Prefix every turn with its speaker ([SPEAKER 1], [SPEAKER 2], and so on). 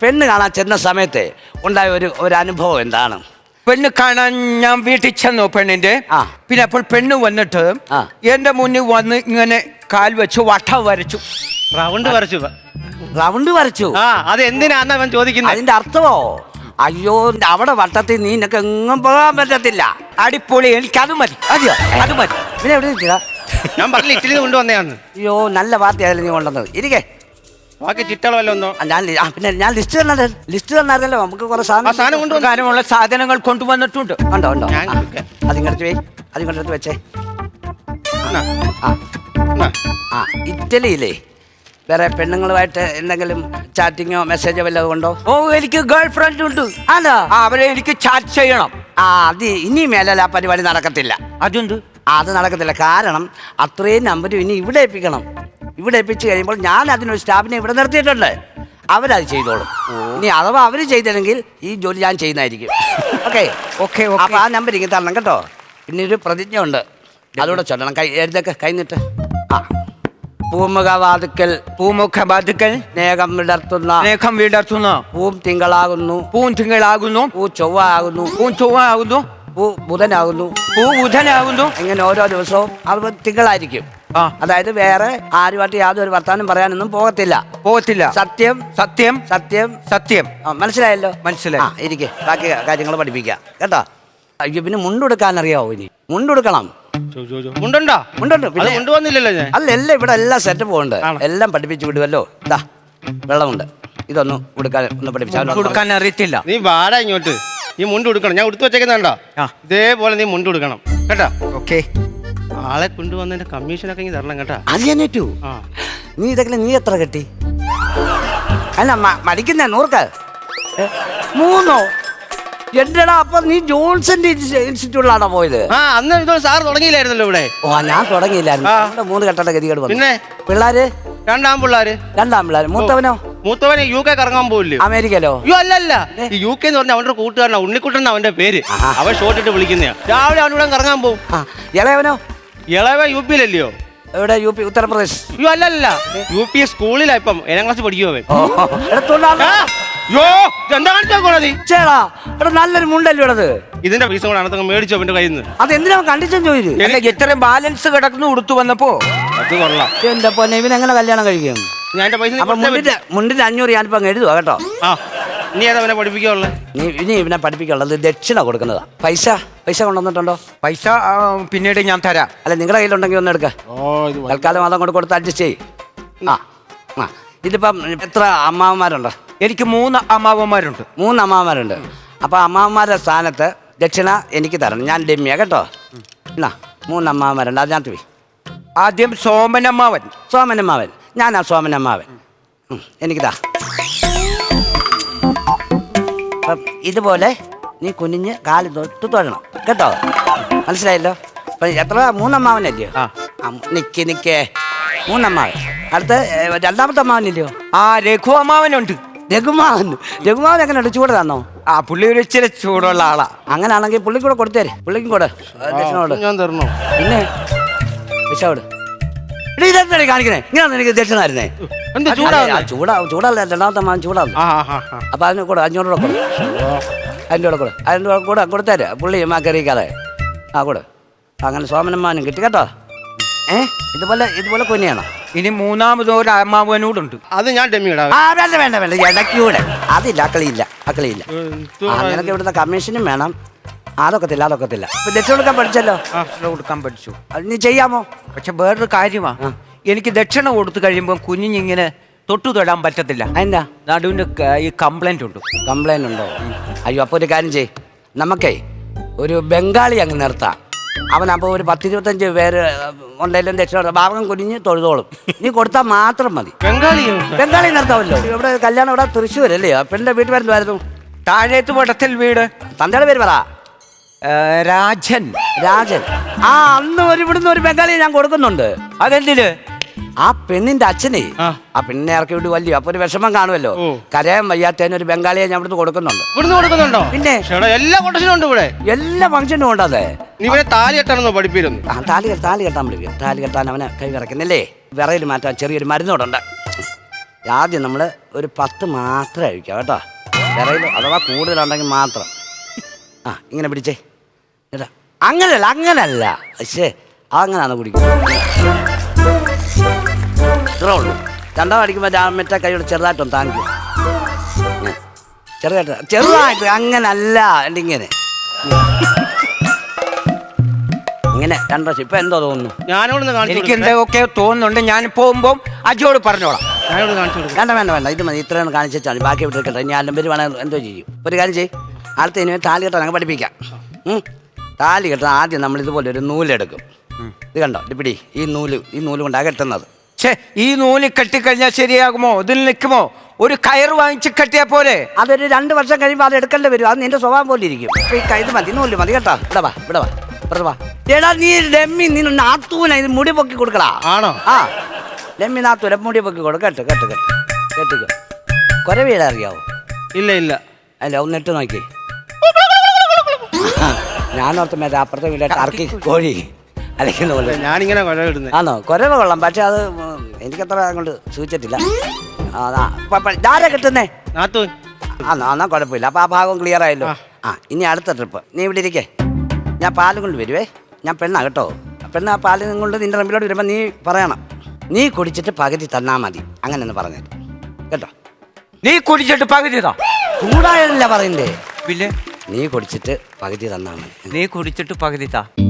[SPEAKER 1] പെണ്ണ് കാണാൻ ചെന്ന സമയത്ത് ഉണ്ടായ ഒരു അനുഭവം എന്താണ്?
[SPEAKER 2] പെണ്ണ് കാണാൻ ഞാൻ വീട്ടിൽ ചെന്നു പെണ്ണിന്റെ. പിന്നെ അപ്പോൾ പെണ്ണ് വന്നിട്ട് എന്റെ മുന്നിൽ വന്ന് ഇങ്ങനെ കാൽ വെച്ച് വട്ടം വരച്ചു.
[SPEAKER 1] റൗണ്ട് വരച്ചു?
[SPEAKER 3] അത് എന്തിനാന്ന് അവൻ ചോദിക്കുന്നത്.
[SPEAKER 1] അതിന്റെ അർത്ഥമോ? അയ്യോ, അവിടെ വട്ടത്തിൽ നീ നിനക്ക് എങ്ങും പോകാൻ പറ്റത്തില്ല.
[SPEAKER 2] അടിപൊളി, എനിക്ക് അത് മതി.
[SPEAKER 1] അതെയോ?
[SPEAKER 2] അത് മതി.
[SPEAKER 1] പിന്നെ എവിടെ നിൽക്കുക?
[SPEAKER 3] ഞാൻ പറഞ്ഞില്ല, ഇറ്റലി കൊണ്ടുവന്നതാണ്.
[SPEAKER 1] അയ്യോ, നല്ല പാർട്ടി ആയാലും നീ കൊണ്ടുവന്നത്. ഇരിക്കേ,
[SPEAKER 3] ബാക്കി ചിട്ടകളല്ലോ ഒന്നോ.
[SPEAKER 1] പിന്നെ ഞാൻ ലിസ്റ്റ് തന്നായിരുന്നല്ലോ. നമുക്ക് കുറെ
[SPEAKER 2] സാധനമുള്ള സാധനങ്ങൾ കൊണ്ടുവന്നിട്ടുണ്ട്.
[SPEAKER 1] ഉണ്ടോ? അതിങ്ങടുത്ത് അതിങ്ങടുത്ത് വെച്ചേ. ഇറ്റലിയിലേ വേറെ പെണ്ണുങ്ങളുമായിട്ട് എന്തെങ്കിലും ചാറ്റിങ്ങോ മെസ്സേജോ വല്ലതും ഉണ്ടോ?
[SPEAKER 2] ഓ, എനിക്ക് ഗേൾ ഫ്രണ്ട് ഉണ്ട്.
[SPEAKER 1] അതാ
[SPEAKER 2] അവരെ എനിക്ക് ചാറ്റ് ചെയ്യണം.
[SPEAKER 1] അത് ഇനി മേലെ ആ പരിപാടി നടക്കത്തില്ല.
[SPEAKER 2] അതുണ്ട്.
[SPEAKER 1] അത് നടക്കത്തില്ല. കാരണം അത്രയും നമ്പരും ഇനി ഇവിടെ ഏൽപ്പിക്കണം. ഇവിടെ ഏൽപ്പിച്ച് കഴിയുമ്പോൾ ഞാൻ അതിനൊരു സ്റ്റാഫിനെ ഇവിടെ നിർത്തിയിട്ടുണ്ട്. അവരത് ചെയ്തോളും. ഇനി അഥവാ അവർ ചെയ്തില്ലെങ്കിൽ ഈ ജോലി ഞാൻ ചെയ്യുന്നതായിരിക്കും. ഓക്കെ. അപ്പൊ ആ നമ്പർ ഇങ്ങനെ തരണം കേട്ടോ. പിന്നെ ഒരു പ്രതിജ്ഞ ഉണ്ട്, അതുകൂടെ ചൊല്ലണം. എഴുതൊക്കെ കൈന്നിട്ട്. പൂമുഖവാതുക്കൽ സ്നേഹം വിടർത്തുന്ന പൂം തിങ്കളാകുന്നു പൂ ചൊവ്വ പൂ ബുധനാകുന്നു. ഇങ്ങനെ ഓരോ ദിവസവും അത് തിങ്കളായിരിക്കും. അതായത് വേറെ ആരുമായിട്ട് യാതൊരു വർത്താനം പറയാനൊന്നും പോകത്തില്ല. സത്യം. മനസ്സിലായല്ലോ?
[SPEAKER 2] മനസ്സിലായി.
[SPEAKER 1] ഇരിക്കെ, ബാക്കി കാര്യങ്ങൾ പഠിപ്പിക്കാം കേട്ടോ. അയ്യോ, പിന്നെ മുണ്ടെടുക്കാൻ അറിയാവോ? ഇനി മുണ്ടെടുക്കണം.
[SPEAKER 3] മുണ്ടുണ്ടോ?
[SPEAKER 1] മുണ്ടുണ്ട്.
[SPEAKER 3] കൊണ്ടുവന്നില്ലല്ലോ ഞാൻ.
[SPEAKER 1] അല്ല, എല്ലാം ഇവിടെ എല്ലാം സെറ്റപ്പ് ഉണ്ട്. എല്ലാം പഠിപ്പിച്ചു വിടുമല്ലോ. ഇതാ വെള്ളമുണ്ട്. ഇതൊന്നും
[SPEAKER 2] കൊടുക്കാൻ അറിയത്തില്ല.
[SPEAKER 3] നീ വാടാ ഇങ്ങോട്ട്. നീ മുണ്ട് കൊടുക്കണം. ഞാൻ ഉടുത്തു വെച്ചേക്കുന്നുണ്ടോ? ഇതേപോലെ നീ മുണ്ട് കൊടുക്കണം കേട്ടോ.
[SPEAKER 2] ഓക്കെ.
[SPEAKER 3] ആളെ കൊണ്ടുവന്നതിന്റെ കമ്മീഷനൊക്കെ ഇങ്ങനെ തരണം കേട്ടോ.
[SPEAKER 1] അറിയാനേറ്റു. നീ ഇതൊക്കെ നീ എത്ര കെട്ടി? അല്ല, മടിക്കുന്ന 100 3 എന്റെടാ. അപ്പൊ നീ ജോൺസന്റെ ഇൻസ്റ്റിറ്റ്യൂട്ടിലാണോ പോയത്?
[SPEAKER 3] അന്ന് ഇതോ സാർ തുടങ്ങിയില്ലായിരുന്നല്ലോ ഇവിടെ.
[SPEAKER 1] ഞാൻ തുടങ്ങിയില്ലായിരുന്നു. 3 കെട്ടേണ്ട ഗതികേട് വന്നു. പിന്നെ പിള്ളേര്? 2 പിള്ളേര്. മൂത്തവനെ UK കറങ്ങാൻ പോയില്ലേ? അമേരിക്കയിലോ? അല്ല, ഈ UK എന്ന് പറഞ്ഞാൽ അവന്റെ കൂട്ടുകാരനാ, ഉണ്ണിക്കുട്ടൻ അവന്റെ പേര്. അവൻ ഷോർട്ട് ഇട്ട് വിളിക്കുന്നയാ. രാവിലെ അവനൂടെ കറങ്ങാൻ പോകും. ഇളയവനോ?
[SPEAKER 3] ഇളയവൻ UP യിലല്ലയോ?
[SPEAKER 1] എവിടെ? UP, ഉത്തർപ്രദേശ്.
[SPEAKER 3] അല്ല, UP സ്കൂളിലാ. ഇപ്പം 7ാം ക്ലാസ് പഠിക്കുവോ അവൻ.
[SPEAKER 1] നല്ലൊരു മുണ്ടല്ലോ ഇടത്.
[SPEAKER 3] ഇതിന്റെ പൈസ കൂടെ അനത്തങ്ങ് മേടിച്ചു അവന്റെ കയ്യിൽ നിന്ന്.
[SPEAKER 1] അതെന്തിനാ കണ്ടിച്ചും ചോദിച്ചു?
[SPEAKER 2] എത്ര ബാലൻസ് കിടക്കുന്നു ഉടുത്തു വന്നപ്പോ.
[SPEAKER 3] അത് കൊള്ളാം.
[SPEAKER 1] എന്റെ പൊന്നെ, ഇവനെങ്ങനെ കല്യാണം കഴിക്കും?
[SPEAKER 3] ഞാൻ എന്റെ പൈസ
[SPEAKER 1] മുണ്ടിന്റെ 500 ഞാനിപ്പോ എഴുതുവാ കേട്ടോ.
[SPEAKER 3] ഇനി ഏതാ അവനെ പഠിപ്പിക്കാനുള്ളത്?
[SPEAKER 1] ഇനി ഇവനെ പഠിപ്പിക്കാനുള്ളത് ദക്ഷിണ കൊടുക്കുന്നതാ. പൈസ കൊണ്ടുവന്നിട്ടുണ്ടോ?
[SPEAKER 2] പൈസ പിന്നീട് ഞാൻ തരാം.
[SPEAKER 1] അല്ല, നിങ്ങളുടെ കയ്യിലുണ്ടെങ്കിൽ ഒന്ന് എടുക്ക. തൽക്കാലം അതം കൊണ്ട് കൊടുത്ത് അഡ്ജസ്റ്റ് ചെയ്യും. ഇതിപ്പം എത്ര അമ്മാവന്മാരുണ്ടോ?
[SPEAKER 2] എനിക്ക് 3 അമ്മാവന്മാരുണ്ട്.
[SPEAKER 1] 3 അമ്മാവന്മാരുണ്ട്. അപ്പൊ അമ്മാവന്മാരുടെ സ്ഥാനത്ത് ദക്ഷിണ എനിക്ക് തരണം. ഞാൻ ഡെമ്മിയാ കേട്ടോ. 3 അമ്മാവന്മാരുണ്ട്. അതിനകത്ത് പോയി
[SPEAKER 2] ആദ്യം സോമനമ്മാവൻ.
[SPEAKER 1] ഞാനാ സോമനമ്മാവൻ. എനിക്കിതാ. അപ്പം ഇതുപോലെ നീ കുനിഞ്ഞ് കാല് തൊട്ട് തൊഴണം കേട്ടോ. മനസ്സിലായല്ലോ? അപ്പൊ എത്ര? 3 അമ്മാവനല്ലയോ? നിക്കേ 3 അമ്മാവൻ. അടുത്ത് 2ാമത്തെ അമ്മാവനില്ലയോ?
[SPEAKER 2] രഘു അമ്മാവനുണ്ട്.
[SPEAKER 1] രഘുമാവൻ എങ്ങനെയുണ്ട്? ചൂട് തന്നോ?
[SPEAKER 2] പുള്ളി ഒരു ഇച്ചിരി ചൂടുള്ള ആളാ.
[SPEAKER 1] അങ്ങനാണെങ്കിൽ പുള്ളിക്ക് കൂടെ കൊടുത്തേര്. പുള്ളിക്കും കൂടെ
[SPEAKER 3] ഞാൻ തരണോ?
[SPEAKER 1] പിന്നെ വിഷോട് ഇതെന്താണ് കാണിക്കണേ? ഇങ്ങനെയാണ് എനിക്ക് ദക്ഷിണായിരുന്നേ. ചൂടല്ല, 2ാമത്തെ അമ്മാവൻ ചൂടാന്ന്. അപ്പൊ അതിന് കൂടെ 500 രൂപ കൊടു. അതിൻ്റെ കൂടെ കൊടുത്തേര്. പുള്ളി കറിയിക്കാതെ കൂടെ. അങ്ങനെ സോമനമ്മാനും കിട്ടി കേട്ടോ. ഇതുപോലെ കുഞ്ഞാണോ?
[SPEAKER 2] ഇനി 3ാമത് ഒരു അമ്മാവനോടുണ്ട്.
[SPEAKER 3] അത് ഞാൻ ഡെമ്മിടാ.
[SPEAKER 1] വേണ്ട ഇടയ്ക്കൂടെ. അതില്ല, അക്കളിയില്ല. അങ്ങനൊക്കെ ഇവിടുത്തെ കമ്മീഷനും വേണം. അതൊക്കത്തില്ല. ഇപ്പൊ ദക്ഷിണ കൊടുക്കാൻ പഠിച്ചല്ലോ.
[SPEAKER 2] പഠിച്ചു.
[SPEAKER 1] അത് നീ ചെയ്യാമോ?
[SPEAKER 2] പക്ഷെ വേറൊരു കാര്യമാ, എനിക്ക് ദക്ഷിണ കൊടുത്തു കഴിയുമ്പോൾ കുഞ്ഞിങ്ങനെ തൊട്ടു തൊടാൻ പറ്റത്തില്ല.
[SPEAKER 1] അതിന്റെ
[SPEAKER 2] നടുവിന്റെ ഈ കംപ്ലൈന്റ്
[SPEAKER 1] ഉണ്ടോ? അയ്യോ, അപ്പൊ ഒരു കാര്യം ചെയ്. നമുക്കേ ഒരു ബംഗാളി അങ്ങ് നിർത്താം. അവനപ്പോൾ ഒരു 10-25 പേര് ഉണ്ടെങ്കിലും ദക്ഷിണ ഭാഗം കുനിഞ്ഞ് തൊഴുതോളും. നീ കൊടുത്താൽ മാത്രം മതി. ബംഗാളി നിർത്താമല്ലോ. ഇവിടെ കല്യാണം ഇവിടെ തൃശ്ശൂരല്ലേ? പെണ്ണിന്റെ വീട്ടിൽ വരുന്നതായിരുന്നു.
[SPEAKER 2] താഴേത്ത് വടത്തിൽ വീട്.
[SPEAKER 1] തന്തയുടെ പേര് പറ.
[SPEAKER 2] രാജൻ.
[SPEAKER 1] അന്ന് ഇവിടുന്ന് ഒരു ബംഗാളിയെ ഞാൻ കൊടുക്കുന്നുണ്ട്.
[SPEAKER 2] അതെന്തിന്?
[SPEAKER 1] ആ പെണ്ണിന്റെ അച്ഛനെ ആ പെണ്ണിനെ ഇറക്കി വിട്ട് വലിയ അപ്പൊ ഒരു വിഷമം കാണുമല്ലോ. കരയാൻ വയ്യാത്തതിന് ഒരു ബംഗാളിയെ ഞാൻ ഇവിടുന്ന് കൊടുക്കുന്നുണ്ടോ? പിന്നെ
[SPEAKER 3] എല്ലാ
[SPEAKER 1] ഫംഗ്ഷനും ഉണ്ട്. അതെ,
[SPEAKER 3] താലി കെട്ടാണെന്നോ പഠിപ്പിക്കുന്നു.
[SPEAKER 1] താലി കെട്ടാൻ പഠിപ്പിക്കും. താലി കെട്ടാൻ അവനെ കൈ വിറക്കുന്നില്ലേ? വിറയിൽ മാറ്റാൻ ചെറിയൊരു മരുന്നോടുണ്ട്. ആദ്യം നമ്മൾ ഒരു 10 മാത്രമേ കഴിക്കാം കേട്ടോ. വിറയിൽ അഥവാ കൂടുതലുണ്ടെങ്കിൽ മാത്രം. ആ ഇങ്ങനെ പിടിച്ചേ കേട്ടോ. അങ്ങനല്ല പക്ഷേ അങ്ങനെയാണ് കുടിക്കുന്നത്. ഇത്രേ ഉള്ളൂ. രണ്ടാം അടിക്കുമ്പോൾ മറ്റേ കൈയോട് ചെറുതായിട്ടൊന്ന് താങ്ങിക്കും. ചെറുതായിട്ട് അങ്ങനല്ല ഇങ്ങനെ ഇങ്ങനെ 2 പ്രാവശ്യം. ഇപ്പൊ എന്തോ തോന്നുന്നു?
[SPEAKER 3] ഞാനോടൊന്ന്
[SPEAKER 2] എനിക്ക് എന്തൊക്കെ തോന്നുന്നുണ്ട്. ഞാൻ പോകുമ്പോൾ അജോട് പറഞ്ഞോളാം.
[SPEAKER 1] വേണ്ട ഇത് മതി. ഇത്രയാണ് കാണിച്ചാൽ ബാക്കി വിട്ടിരിക്കട്ടെ. ഇനി ആലും പേര് വേണമെങ്കിൽ എന്തോ ചെയ്യും. ഒരു കാര്യം ചെയ്യും. അടുത്ത ഇനി താലി കെട്ടാൻ ഞങ്ങൾ പഠിപ്പിക്കാം. താലി കെട്ടാൻ ആദ്യം നമ്മൾ ഇതുപോലെ ഒരു നൂലെടുക്കും. ഇത് കണ്ടോ, ഇത് പിടി. ഈ നൂല് കൊണ്ടാണ് കെട്ടുന്നത്.
[SPEAKER 2] ഈ നൂല് കെട്ടിക്കഴിഞ്ഞാൽ ശരിയാകുമോ? ഇതിൽ നിൽക്കുമോ? ഒരു കയറ് വാങ്ങിച്ച് കെട്ടിയാ പോലെ.
[SPEAKER 1] അതൊരു 2 വർഷം കഴിയുമ്പോൾ അത് എടുക്കേണ്ടി വരും. അത് നിന്റെ സ്വഭാവം പോലെ ഇരിക്കും. ഇത് മതി, നൂല് മതി കേട്ടോ. ഇവിടെ വാ. എടാ നീ ഡെമ്മി, നീ നാത്തൂന ഇത് മുടി പൊക്കി കൊടുക്കടാ.
[SPEAKER 3] ആണോ?
[SPEAKER 1] ആ ഡെമ്മി നാത്തൂന മുടി പൊക്കി കൊടുക്ക. കെട്ടിക്കോ. കൊരവീട അറിയാവോ?
[SPEAKER 3] ഇല്ല.
[SPEAKER 1] അല്ല ഒന്ന് ഇട്ട് നോക്കി. ഞാനോർത്ത് മറ്റേ അപ്പുറത്തെ വീട്ടിലെ ടർക്കി കോഴി അലക്കുന്ന പോലെ.
[SPEAKER 3] ഞാനിങ്ങനെ കൊലവിടുന്നത്.
[SPEAKER 1] ആണോ? കൊരവ കൊള്ളാം. പക്ഷെ അത് എനിക്കത്ര അങ്ങോട്ട് സൂചിച്ചിട്ടില്ല. ആരാ കിട്ടുന്നേ?
[SPEAKER 3] നാത്തൂൻ.
[SPEAKER 1] എന്നാ കുഴപ്പമില്ല. അപ്പൊ ആ ഭാഗം ക്ലിയർ ആയല്ലോ. ഇനി അടുത്ത ട്രിപ്പ് നീ ഇവിടെ ഇരിക്കേ. ഞാൻ പാലും കൊണ്ട് വരുവേ. ഞാൻ പെണ്ണാ കേട്ടോ. പെണ്ണ് ആ പാലും കൊണ്ട് നിന്റെ റമ്പിലോട്ട് വരുമ്പോൾ നീ പറയണം, നീ കുടിച്ചിട്ട് പകുതി തന്നാ മതി. അങ്ങനെ ഒന്ന് പറഞ്ഞത് കേട്ടോ.
[SPEAKER 2] നീ കുടിച്ചിട്ട് പകുതി താ.
[SPEAKER 1] ചൂടായതല്ല പറയണ്ടേ.
[SPEAKER 2] പിന്നെ
[SPEAKER 1] നീ കുടിച്ചിട്ട് പകുതി തന്നാ മതി.
[SPEAKER 2] നീ കുടിച്ചിട്ട് പകുതി താ.